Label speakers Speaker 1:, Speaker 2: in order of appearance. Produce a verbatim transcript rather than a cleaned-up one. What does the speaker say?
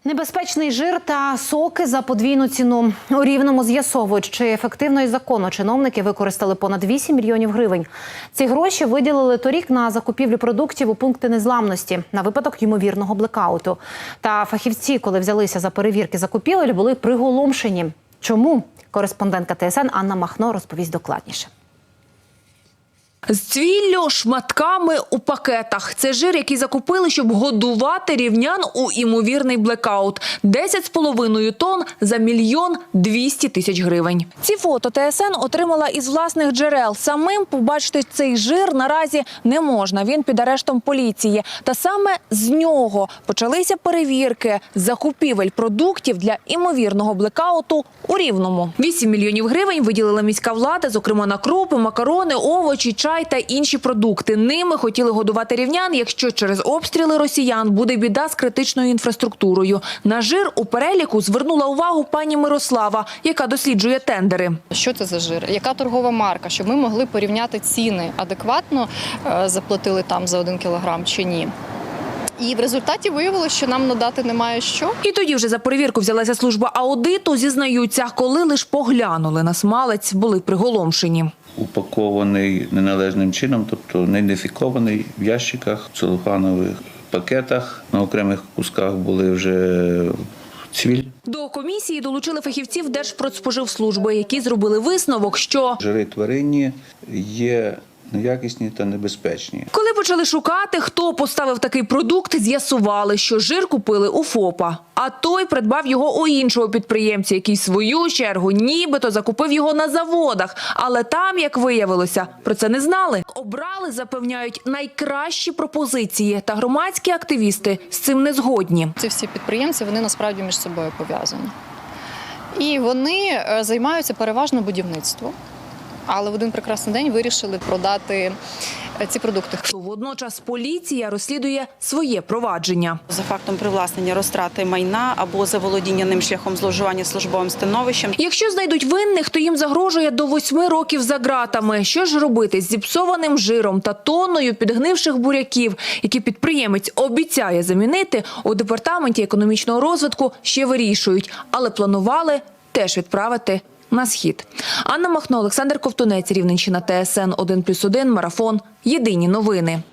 Speaker 1: Небезпечний жир та соки за подвійну ціну. У Рівному з'ясовують, чи ефективно і законно чиновники використали понад вісім мільйонів гривень. Ці гроші виділили торік на закупівлю продуктів у пункти незламності на випадок ймовірного блекауту. Та фахівці, коли взялися за перевірки закупівель, були приголомшені. Чому? Кореспондентка Т С Н Анна Махно розповість докладніше.
Speaker 2: З цвіллю, шматками у пакетах. Це жир, який закупили, щоб годувати рівнян у імовірний блекаут. десять з половиною тонн за мільйон двісті тисяч гривень. Ці фото Т С Н отримала із власних джерел. Самим побачити цей жир наразі не можна. Він під арештом поліції. Та саме з нього почалися перевірки закупівель продуктів для імовірного блекауту у Рівному. вісім мільйонів гривень виділила міська влада, зокрема на крупи, макарони, овочі, чай та інші продукти. Ними хотіли годувати рівнян, якщо через обстріли росіян буде біда з критичною інфраструктурою. На жир у переліку звернула увагу пані Мирослава, яка досліджує тендери.
Speaker 3: Що це за жир? Яка торгова марка? Щоб ми могли порівняти ціни. Адекватно заплатили там за один кілограм чи ні? І в результаті виявилося, що нам надати немає що.
Speaker 2: І тоді вже за перевірку взялася служба аудиту. Зізнаються, коли лиш поглянули на смалець, були приголомшені.
Speaker 4: Упакований неналежним чином, тобто не ідентифікований в ящиках, в целофанових пакетах. На окремих кусках були вже цвіль.
Speaker 2: До комісії долучили фахівців Держпродспоживслужби, які зробили висновок, що
Speaker 4: жири тваринні є неякісні та небезпечні.
Speaker 2: Коли почали шукати, хто поставив такий продукт, з'ясували, що жир купили у ФОПа. А той придбав його у іншого підприємця, який в свою чергу нібито закупив його на заводах. Але там, як виявилося, про це не знали. Обрали, запевняють, найкращі пропозиції. Та громадські активісти з цим не згодні.
Speaker 3: Ці всі підприємці, вони насправді між собою пов'язані. І вони займаються переважно будівництвом. Але в один прекрасний день вирішили продати ці продукти.
Speaker 2: Водночас поліція розслідує своє провадження.
Speaker 5: За фактом привласнення розтрати майна або заволодіння ним шляхом зловживання службовим становищем.
Speaker 2: Якщо знайдуть винних, то їм загрожує до восьми років за ґратами. Що ж робити з зіпсованим жиром та тонною підгнивших буряків, які підприємець обіцяє замінити, у департаменті економічного розвитку ще вирішують. Але планували теж відправити на схід. Анна Махно, Олександр Ковтунець, Рівненщина, Т С Н один плюс один, Марафон. Єдині новини.